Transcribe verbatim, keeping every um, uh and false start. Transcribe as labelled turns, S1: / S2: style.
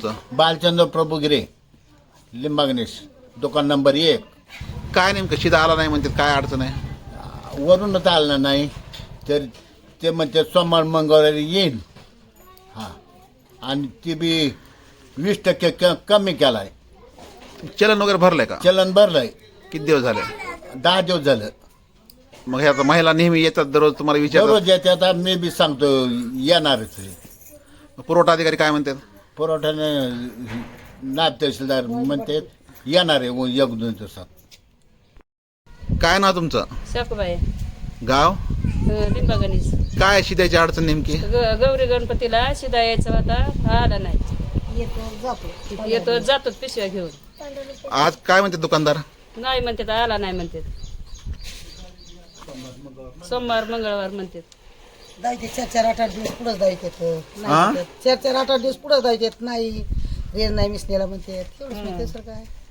S1: तुमचं?
S2: बालचंद्र प्रभुगिरे, लिंबागणेश, दुकान नंबर एक.
S1: काय नेमकं शिदा आला नाही म्हणतात, काय अडचण आहे?
S2: वरूनच आलं नाही तर ते म्हणते सोमवार मंगळवारी येईन. हां, आणि ती बी वीस टक्के क कमी केला आहे.
S1: चलन वगैरे भरलंय का?
S2: चलन भरलं आहे.
S1: किती दिवस झाले?
S2: दहा दिवस झालं.
S1: मग ह्या महिला नेहमी येतात दररोज तुम्हाला विचारतात?
S2: दररोज येते. आता मी बी सांगतो येणारच आहे.
S1: पुरवठा अधिकारी काय म्हणतात?
S2: पुरवठ्याने नायब तहसीलदार म्हणते येणार आहे व एक दोन दिवसात.
S1: काय नाव तुमचं?
S3: शाकूबाई,
S1: गाव?
S3: लिंबागणीस.
S1: काय शिद्याची अडचण नेमकी?
S3: गौरी गणपतीला शिदा यायचा होता, आला नाही.
S4: येतो जातो
S3: येतो जातो पिशव्या घेऊन.
S1: आज काय म्हणते दुकानदार?
S3: नाही म्हणतात, आला नाही म्हणतात. सोमवार मंगळवार म्हणतात.
S4: जायचे चार चार आठ आठ दिवस पुढंच जायचे.
S1: हा?
S4: चार चार आठ आठ दिवस पुढं जायचे नाही. रेल नाही मिसनेला म्हणते. एवढंच म्हणते सर काय.